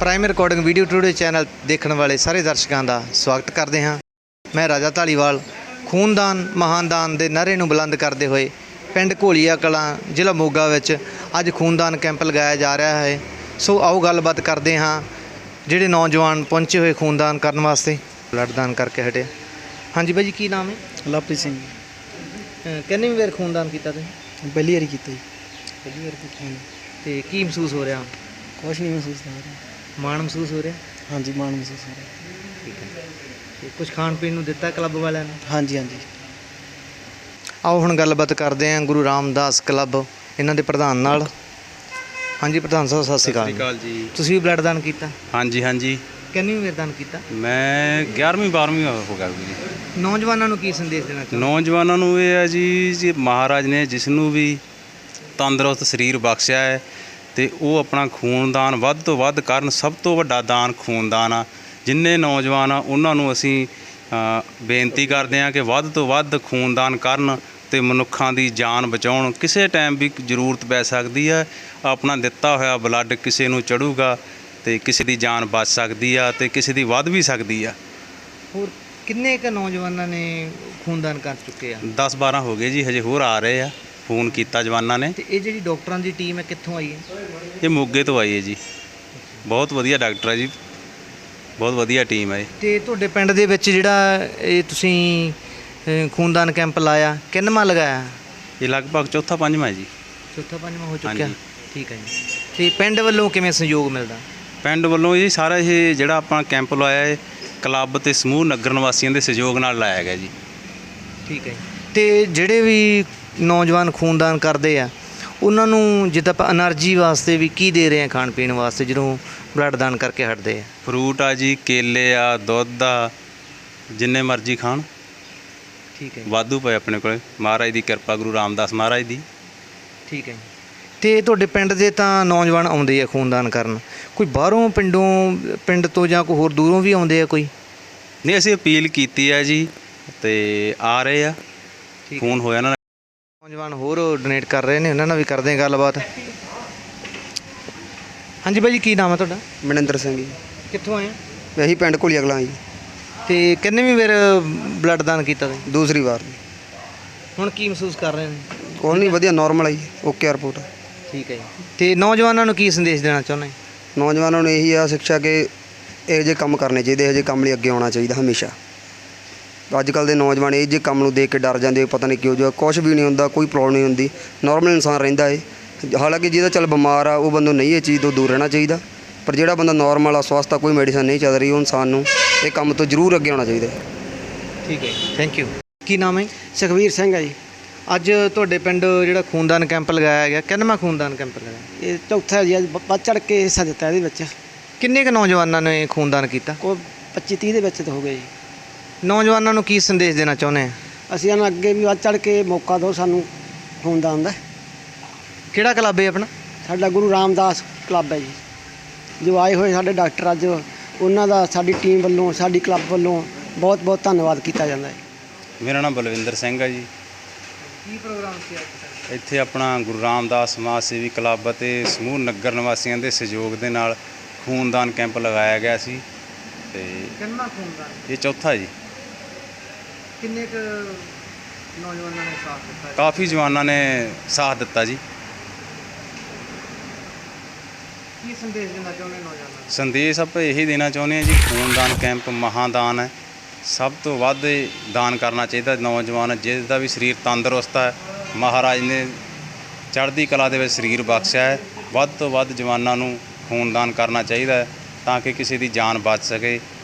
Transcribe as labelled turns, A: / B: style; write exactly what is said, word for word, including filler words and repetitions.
A: Prime recording video today channel ਦੇਖਣ ਵਾਲੇ ਸਾਰੇ ਦਰਸ਼ਕਾਂ ਦਾ ਸਵਾਗਤ ਕਰਦੇ ਹਾਂ। ਮੈਂ ਰਾਜਾ ਢਾਲੀਵਾਲ। ਖੂਨਦਾਨ ਮਹਾਨਦਾਨ ਦੇ ਨਾਅਰੇ ਨੂੰ ਬੁਲੰਦ ਕਰਦੇ ਹੋਏ ਪਿੰਡ ਘੋਲੀਆ ਕਲਾਂ ਜ਼ਿਲ੍ਹਾ ਮੋਗਾ ਵਿੱਚ ਅੱਜ ਖੂਨਦਾਨ ਕੈਂਪ ਲਗਾਇਆ ਜਾ ਰਿਹਾ ਹੈ। ਸੋ ਆਓ ਗੱਲਬਾਤ ਕਰਦੇ ਹਾਂ ਜਿਹੜੇ ਨੌਜਵਾਨ ਪਹੁੰਚੇ ਹੋਏ ਖੂਨਦਾਨ ਕਰਨ ਵਾਸਤੇ, ਬਲੱਡ ਦਾਨ ਕਰਕੇ ਹਟੇ। ਹਾਂਜੀ ਬਾਈ ਜੀ, ਕੀ ਨਾਮ ਹੈ?
B: ਲਵਪ੍ਰੀਤ ਸਿੰਘ।
A: ਕਿੰਨੀ ਵਾਰ ਖੂਨਦਾਨ ਕੀਤਾ ਤੁਸੀਂ?
B: ਪਹਿਲੀ ਵਾਰੀ ਕੀਤਾ ਜੀ।
A: ਪਹਿਲੀ ਵਾਰ ਕੀਤਾ। ਅਤੇ ਕੀ ਮਹਿਸੂਸ ਹੋ ਰਿਹਾ?
B: ਕੁਛ ਨਹੀਂ ਮਹਿਸੂਸ ਹੋ ਰਿਹਾ।
A: ਮਾਣ ਮਹਿਸੂਸ ਹੋ ਰਿਹਾ?
B: ਹਾਂਜੀ, ਮਾਣ ਮਹਿਸੂਸ ਹੋ ਰਿਹਾ।
A: ਠੀਕ ਹੈ। ਅਤੇ ਕੁਛ ਖਾਣ ਪੀਣ ਨੂੰ ਦਿੱਤਾ ਕਲੱਬ ਵਾਲਿਆਂ ਨੇ?
B: ਹਾਂਜੀ ਹਾਂਜੀ।
A: ਆਓ ਹੁਣ ਗੱਲਬਾਤ ਕਰਦੇ ਹਾਂ ਗੁਰੂ ਰਾਮਦਾਸ ਕਲੱਬ ਇਹਨਾਂ ਦੇ ਪ੍ਰਧਾਨ ਨਾਲ। ਹਾਂਜੀ ਪ੍ਰਧਾਨ ਸਾਹਿਬ, ਸਤਿ ਸ਼੍ਰੀ ਅਕਾਲ।
C: ਸਤਿ ਸ਼੍ਰੀ ਅਕਾਲ ਜੀ।
A: ਤੁਸੀਂ ਵੀ ਬਲੱਡ ਦਾਨ ਕੀਤਾ?
C: ਹਾਂਜੀ ਹਾਂਜੀ।
A: ਕਿੰਨੀ ਵਾਰ ਦਾਨ ਕੀਤਾ?
C: ਮੈਂ ਗਿਆਰਵੀਂ ਬਾਰ੍ਹਵੀਂ ਹੋ ਗਿਆ ਜੀ।
A: ਨੌਜਵਾਨਾਂ ਨੂੰ ਕੀ ਸੰਦੇਸ਼ ਦੇਣਾ ਚਾਹੁੰਦੇ?
C: ਨੌਜਵਾਨਾਂ ਨੂੰ ਇਹ ਹੈ ਜੀ ਜੀ ਮਹਾਰਾਜ ਨੇ ਜਿਸ ਨੂੰ ਵੀ ਤੰਦਰੁਸਤ ਸਰੀਰ ਬਖਸ਼ਿਆ ਹੈ ਅਤੇ ਉਹ ਆਪਣਾ ਖੂਨਦਾਨ ਵੱਧ ਤੋਂ ਵੱਧ ਕਰਨ। ਸਭ ਤੋਂ ਵੱਡਾ ਦਾਨ ਖੂਨਦਾਨ ਆ। ਜਿੰਨੇ ਨੌਜਵਾਨ ਆ ਉਹਨਾਂ ਨੂੰ ਅਸੀਂ ਬੇਨਤੀ ਕਰਦੇ ਹਾਂ ਕਿ ਵੱਧ ਤੋਂ ਵੱਧ ਖੂਨਦਾਨ ਕਰਨ ਅਤੇ ਮਨੁੱਖਾਂ ਦੀ ਜਾਨ ਬਚਾਉਣ। ਕਿਸੇ ਟਾਈਮ ਵੀ ਜ਼ਰੂਰਤ ਪੈ ਸਕਦੀ ਹੈ। ਆਪਣਾ ਦਿੱਤਾ ਹੋਇਆ ਬਲੱਡ ਕਿਸੇ ਨੂੰ ਚੜ੍ਹੂਗਾ ਅਤੇ ਕਿਸੇ ਦੀ ਜਾਨ ਬਚ ਸਕਦੀ ਆ ਅਤੇ ਕਿਸੇ ਦੀ ਵੱਧ ਵੀ ਸਕਦੀ ਆ।
A: ਹੋਰ ਕਿੰਨੇ ਕੁ ਨੌਜਵਾਨਾਂ ਨੇ ਖੂਨਦਾਨ ਕਰ ਚੁੱਕੇ ਆ?
C: ਦਸ ਬਾਰ੍ਹਾਂ ਹੋ ਗਏ ਜੀ, ਹਜੇ ਹੋਰ ਆ ਰਹੇ ਆ। ਫੋਨ ਕੀਤਾ ਜਵਾਨਾਂ ਨੇ।
A: ਅਤੇ ਇਹ ਜਿਹੜੀ ਡਾਕਟਰਾਂ ਦੀ ਟੀਮ ਹੈ ਕਿੱਥੋਂ ਆਈ ਹੈ?
C: ਇਹ ਮੋਗੇ ਤੋਂ ਆਈ ਹੈ ਜੀ। ਬਹੁਤ ਵਧੀਆ ਡਾਕਟਰ ਹੈ ਜੀ, ਬਹੁਤ ਵਧੀਆ ਟੀਮ ਹੈ।
A: ਅਤੇ ਤੁਹਾਡੇ ਪਿੰਡ ਦੇ ਵਿੱਚ ਜਿਹੜਾ ਇਹ ਤੁਸੀਂ ਖੂਨਦਾਨ ਕੈਂਪ ਲਾਇਆ, ਕਿੰਨਵਾਂ ਲਗਾਇਆ?
C: ਇਹ ਲਗਭਗ ਚੌਥਾ ਪੰਜਵਾਂ ਹੈ ਜੀ।
A: ਚੌਥਾ ਪੰਜਵਾਂ ਹੋ ਚੁੱਕਿਆ।
C: ਹਾਂਜੀ।
A: ਠੀਕ ਹੈ ਜੀ। ਅਤੇ ਪਿੰਡ ਵੱਲੋਂ ਕਿਵੇਂ ਸਹਿਯੋਗ ਮਿਲਦਾ?
C: ਪਿੰਡ ਵੱਲੋਂ ਜੀ ਸਾਰਾ ਇਹ ਜਿਹੜਾ ਆਪਾਂ ਕੈਂਪ ਲਾਇਆ ਹੈ ਕਲੱਬ ਅਤੇ ਸਮੂਹ ਨਗਰ ਨਿਵਾਸੀਆਂ ਦੇ ਸਹਿਯੋਗ ਨਾਲ ਲਾਇਆ ਗਿਆ ਜੀ।
A: ਠੀਕ ਹੈ ਜੀ। ਅਤੇ ਜਿਹੜੇ ਵੀ ਨੌਜਵਾਨ ਖੂਨਦਾਨ ਕਰਦੇ ਆ ਉਹਨਾਂ ਨੂੰ ਜਿੱਦਾਂ ਆਪਾਂ ਐਨਰਜੀ ਵਾਸਤੇ ਵੀ ਕੀ ਦੇ ਰਹੇ ਆ ਖਾਣ ਪੀਣ ਵਾਸਤੇ ਜਦੋਂ ਬਲੱਡ ਦਾਨ ਕਰਕੇ ਹਟਦੇ ਆ?
C: ਫਰੂਟ ਆ ਜੀ, ਕੇਲੇ ਆ, ਦੁੱਧ ਆ, ਜਿੰਨੇ ਮਰਜ਼ੀ ਖਾਣ।
A: ਠੀਕ ਹੈ।
C: ਵਾਧੂ ਪਏ ਆਪਣੇ ਕੋਲ। ਮਹਾਰਾਜ ਦੀ ਕਿਰਪਾ, ਗੁਰੂ ਰਾਮਦਾਸ ਮਹਾਰਾਜ ਦੀ।
A: ਠੀਕ ਹੈ ਜੀ। ਅਤੇ ਤੁਹਾਡੇ ਪਿੰਡ ਦੇ ਤਾਂ ਨੌਜਵਾਨ ਆਉਂਦੇ ਆ ਖੂਨਦਾਨ ਕਰਨ, ਕੋਈ ਬਾਹਰੋਂ ਪਿੰਡੋਂ ਪਿੰਡ ਤੋਂ ਜਾਂ ਕੋਈ ਹੋਰ ਦੂਰੋਂ ਵੀ ਆਉਂਦੇ ਆ ਕੋਈ?
C: ਨਹੀਂ, ਅਸੀਂ ਅਪੀਲ ਕੀਤੀ ਹੈ ਜੀ ਅਤੇ ਆ ਰਹੇ ਆ। ਫੋਨ ਹੋਇਆ ਨਾ।
A: ਨੌਜਵਾਨ ਹੋਰ ਡੋਨੇਟ ਕਰ ਰਹੇ ਨੇ, ਉਹਨਾਂ ਨਾਲ ਵੀ ਕਰਦੇ ਹਾਂ ਗੱਲਬਾਤ। ਹਾਂਜੀ ਬਾਈ ਜੀ, ਕੀ ਨਾਮ ਹੈ ਤੁਹਾਡਾ?
B: ਮਨਿੰਦਰ ਸਿੰਘ ਜੀ।
A: ਕਿੱਥੋਂ ਆਏ?
B: ਅਸੀਂ ਪਿੰਡ ਘੋਲੀਆ ਕਲਾਂ ਜੀ।
A: ਅਤੇ ਕਿੰਨਵੀਂ ਵਾਰ ਬਲੱਡ ਦਾਨ ਕੀਤਾ ਤੁਸੀਂ?
B: ਦੂਸਰੀ ਵਾਰ।
A: ਹੁਣ ਕੀ ਮਹਿਸੂਸ ਕਰ ਰਹੇ ਨੇ?
B: ਕੋਈ ਨਹੀਂ, ਵਧੀਆ ਨੋਰਮਲ ਆ ਜੀ। Okay report.
A: ਠੀਕ ਹੈ ਜੀ। ਅਤੇ ਨੌਜਵਾਨਾਂ ਨੂੰ ਕੀ ਸੰਦੇਸ਼ ਦੇਣਾ ਚਾਹੁੰਦੇ?
B: ਨੌਜਵਾਨਾਂ ਨੂੰ ਇਹੀ ਆ ਸਿੱਖਿਆ ਕਿ ਇਹੋ ਜਿਹੇ ਕੰਮ ਕਰਨੇ ਚਾਹੀਦੇ, ਇਹੋ ਜਿਹੇ ਕੰਮ ਲਈ ਅੱਗੇ ਆਉਣਾ ਚਾਹੀਦਾ ਹਮੇਸ਼ਾ। ਅੱਜ ਕੱਲ੍ਹ ਦੇ ਨੌਜਵਾਨ ਇਹ ਜਿਹੇ ਕੰਮ ਨੂੰ ਦੇਖ ਕੇ ਡਰ ਜਾਂਦੇ, ਪਤਾ ਨਹੀਂ ਕਿਉਂ। ਜੋ ਕੁਛ ਵੀ ਨਹੀਂ ਹੁੰਦਾ, ਕੋਈ ਪ੍ਰੋਬਲਮ ਨਹੀਂ ਹੁੰਦੀ, ਨੋਰਮਲ ਇਨਸਾਨ ਰਹਿੰਦਾ ਏ। ਹਾਲਾਂਕਿ ਜਿਹਦਾ ਚੱਲ ਬਿਮਾਰ ਆ ਉਹ ਬੰਦੇ ਨੂੰ ਨਹੀਂ ਇਹ ਚੀਜ਼ ਤੋਂ ਦੂਰ ਰਹਿਣਾ ਚਾਹੀਦਾ, ਪਰ ਜਿਹੜਾ ਬੰਦਾ ਨੋਰਮਲ ਆ, ਸਵਸਥ ਆ, ਕੋਈ ਮੈਡੀਸਨ ਨਹੀਂ ਚੱਲ ਰਹੀ, ਉਹ ਇਨਸਾਨ ਨੂੰ ਇਹ ਕੰਮ ਤੋਂ ਜ਼ਰੂਰ ਅੱਗੇ ਆਉਣਾ ਚਾਹੀਦਾ। ਠੀਕ ਹੈ,
A: ਥੈਂਕ ਯੂ। ਕੀ ਨਾਮ ਹੈ?
B: ਸੁਖਵੀਰ ਸਿੰਘ ਹੈ ਜੀ।
A: ਅੱਜ ਤੁਹਾਡੇ ਪਿੰਡ ਜਿਹੜਾ ਖੂਨਦਾਨ ਕੈਂਪ ਲਗਾਇਆ ਗਿਆ, ਕਿੰਨਵਾਂ ਖੂਨਦਾਨ ਕੈਂਪ ਲਗਾਇਆ?
B: ਇਹ ਚੌਥਾ ਜੀ। ਅੱਜ ਵੱਧ ਚੜ੍ਹ ਕੇ ਹਿੱਸਾ ਦਿੱਤਾ ਇਹਦੇ ਵਿੱਚ।
A: ਕਿੰਨੇ ਕੁ ਨੌਜਵਾਨਾਂ ਨੇ ਖੂਨਦਾਨ ਕੀਤਾ?
B: ਕੋਈ ਪੱਚੀ ਤੀਹ ਦੇ ਵਿੱਚ ਤਾਂ ਹੋ ਗਏ ਜੀ।
A: ਨੌਜਵਾਨਾਂ ਨੂੰ ਕੀ ਸੰਦੇਸ਼ ਦੇਣਾ ਚਾਹੁੰਦੇ ਆ?
B: ਅਸੀਂ ਇਹਨਾਂ ਅੱਗੇ ਵੀ ਵੱਧ ਚੜ੍ਹ ਕੇ ਮੌਕਾ ਦਿਓ ਸਾਨੂੰ ਖੂਨਦਾਨ ਦਾ।
A: ਕਿਹੜਾ ਕਲੱਬ ਹੈ ਆਪਣਾ?
B: ਸਾਡਾ ਗੁਰੂ ਰਾਮਦਾਸ ਕਲੱਬ ਹੈ ਜੀ। ਜੋ ਆਏ ਹੋਏ ਸਾਡੇ ਡਾਕਟਰ ਅੱਜ, ਉਹਨਾਂ ਦਾ ਸਾਡੀ ਟੀਮ ਵੱਲੋਂ, ਸਾਡੀ ਕਲੱਬ ਵੱਲੋਂ ਬਹੁਤ ਬਹੁਤ ਧੰਨਵਾਦ ਕੀਤਾ ਜਾਂਦਾ ਹੈ।
C: ਮੇਰਾ ਨਾਮ ਬਲਵਿੰਦਰ ਸਿੰਘ ਹੈ ਜੀ।
A: ਕੀ ਪ੍ਰੋਗਰਾਮ ਸੀ ਅੱਜ?
C: ਇੱਥੇ ਆਪਣਾ ਗੁਰੂ ਰਾਮਦਾਸ ਸਮਾਜ ਸੇਵੀ ਕਲੱਬ ਅਤੇ ਸਮੂਹ ਨਗਰ ਨਿਵਾਸੀਆਂ ਦੇ ਸਹਿਯੋਗ ਦੇ ਨਾਲ ਖੂਨਦਾਨ ਕੈਂਪ ਲਗਾਇਆ ਗਿਆ ਸੀ ਅਤੇ
A: ਕਿੰਨਾ ਖੂਨਦਾਨ?
C: ਇਹ ਚੌਥਾ ਜੀ।
A: ਕਿੰਨੇ ਕੁ ਨੌਜਵਾਨਾਂ ਨੇ ਸਾਥ ਦਿੱਤਾ?
C: ਕਾਫੀ ਜਵਾਨਾਂ ਨੇ ਸਾਥ ਦਿੱਤਾ ਜੀ।
A: ਕੀ ਸੰਦੇਸ਼ ਦੇਣਾ ਚਾਹੁੰਦੇ ਨੌਜਵਾਨਾਂ ਨੂੰ?
C: ਸੰਦੇਸ਼ ਆਪਾਂ ਇਹੀ ਦੇਣਾ ਚਾਹੁੰਦੇ ਹਾਂ ਜੀ, ਖੂਨਦਾਨ ਕੈਂਪ ਮਹਾਦਾਨ ਹੈ। ਸਭ ਤੋਂ ਵੱਧ ਦਾਨ ਕਰਨਾ ਚਾਹੀਦਾ। ਨੌਜਵਾਨ ਜਿਸ ਦਾ ਵੀ ਸਰੀਰ ਤੰਦਰੁਸਤ ਹੈ, ਮਹਾਰਾਜ ਨੇ ਚੜ੍ਹਦੀ ਕਲਾ ਦੇ ਵਿੱਚ ਸਰੀਰ ਬਖਸ਼ਿਆ ਹੈ, ਵੱਧ ਤੋਂ ਵੱਧ ਜਵਾਨਾਂ ਨੂੰ ਖੂਨਦਾਨ ਕਰਨਾ ਚਾਹੀਦਾ ਹੈ ਤਾਂ ਕਿ ਕਿਸੇ ਦੀ ਜਾਨ ਬਚ ਸਕੇ।